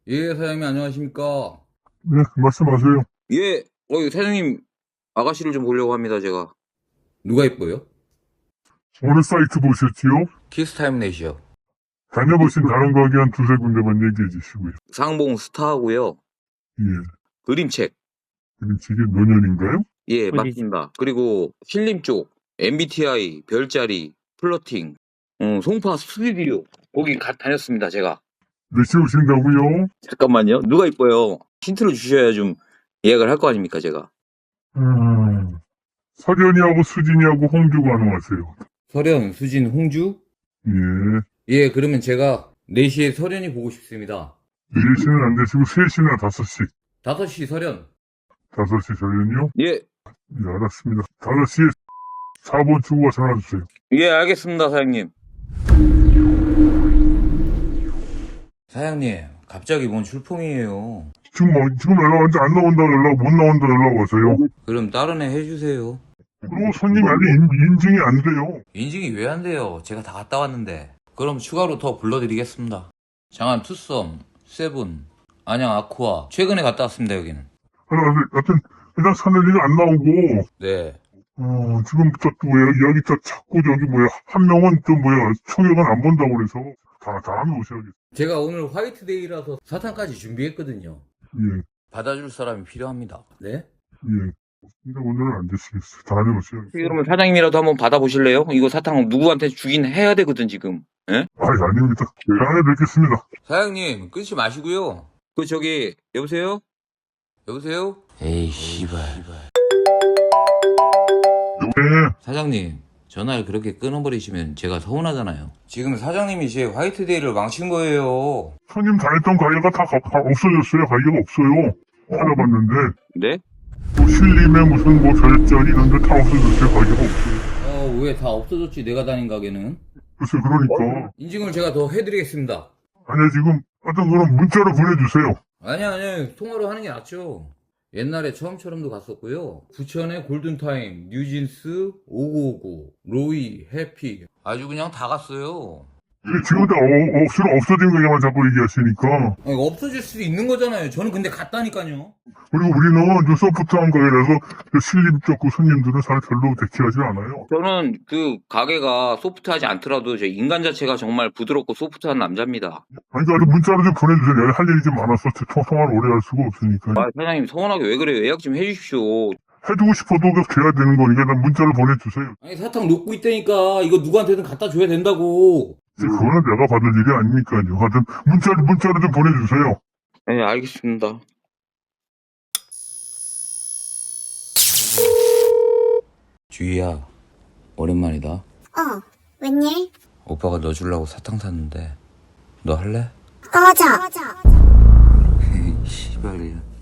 예, 사장님 안녕하십니까? 네, 말씀하세요. 예, 사장님, 아가씨를 좀 보려고 합니다, 제가. 누가 이뻐요? 어느 사이트 보셨지요? 키스타임 넷이요. 다녀보신 다른 가게 한 두세 군데만 얘기해 주시고요. 상봉 스타하고요. 예. 그림책. 그럼 이게 노년인가요? 예, 맞습니다. 그리고 필름 쪽, MBTI, 별자리, 플러팅, 송파 스튜디오. 거기 다녔습니다, 제가. 몇 시에 오신다고요? 잠깐만요. 누가 이뻐요? 힌트를 주셔야 좀 예약을 할 거 아닙니까, 제가. 서련이하고 수진이하고 홍주 가능하세요. 설현, 수진, 홍주? 예. 예, 그러면 제가 4시에 설현이 보고 싶습니다. 4시는 안 되시고 3시나 5시. 5시 설현. 5시 서련이요? 예, 예, 알았습니다. 5시에 4번 주고가 전화 주세요. 예, 알겠습니다, 사장님. 사장님, 갑자기 뭔 출풍이에요. 지금 연락 왔는데 안 나온다 연락, 못 나온다 연락 와서요. 그럼 다른 애 해주세요. 그리고 손님이 아직 인증이 안 돼요. 인증이 왜 안 돼요? 제가 다 갔다 왔는데. 그럼 추가로 더 불러드리겠습니다. 장안 투썸, 세븐, 안양 아쿠아. 최근에 갔다 왔습니다, 여기는. 하여튼 일단 사내리가 안 나오고 네. 지금 여기 자꾸 한 명은 총액은 안 본다고 그래서 다음에 오셔야겠어요. 제가 오늘 화이트데이라서 사탕까지 준비했거든요. 예, 받아줄 사람이 필요합니다. 네? 예. 근데 오늘은 안 되시겠어요. 다음에 오셔야겠어요. 그러면 사장님이라도 한번 받아보실래요? 이거 사탕 누구한테 주긴 해야 되거든, 지금. 예? 아닙니다. 다음에 뵙겠습니다. 사장님, 끊지 마시고요. 여보세요? 여보세요? 에이, 씨발. 네, 사장님, 전화를 그렇게 끊어버리시면 제가 서운하잖아요. 지금 사장님이 제 화이트데이를 망친 거예요. 손님 다녔던 가게가 다 없어졌어요. 가게가 없어요. 찾아봤는데 네? 신림에 무슨 별자리 이런 데 다 없어졌어요. 가게가 없어요. 왜 다 없어졌지, 내가 다닌 가게는? 글쎄 그러니까 인증을 제가 더 해드리겠습니다. 아니 지금 하여튼 그럼 문자로 보내주세요. 아니, 통화로 하는 게 낫죠. 옛날에 처음처럼도 갔었고요. 부천의 골든타임, 뉴진스, 5959, 로이, 해피. 아주 그냥 다 갔어요. 이게 지금 다 없어진 가게만 자꾸 얘기하시니까. 아니, 없어질 수도 있는 거잖아요. 저는 근데 갔다니까요. 그리고 우리는 좀 소프트한 가게라서 신림 쪽 손님들은 잘 별로 대체하지 않아요. 저는 그 가게가 소프트하지 않더라도 제 인간 자체가 정말 부드럽고 소프트한 남자입니다. 아니, 그러니까 문자로 좀 보내주세요. 내가 할 일이 좀 많아서 통화를 오래 할 수가 없으니까. 아, 사장님 서운하게 왜 그래요? 예약 좀 해주십시오. 해주고 싶어도 돼야 되는 거니까 난 문자를 보내주세요. 아니, 사탕 놓고 있다니까. 이거 누구한테든 갖다 줘야 된다고. 그거는 내가 받을 일이 아니니까요. 하여튼 문자로 좀 보내주세요. 네, 알겠습니다. 주희야, 오랜만이다. 웬일? 오빠가 너 주려고 사탕 샀는데 너 할래? 꺼져. 씨발이야.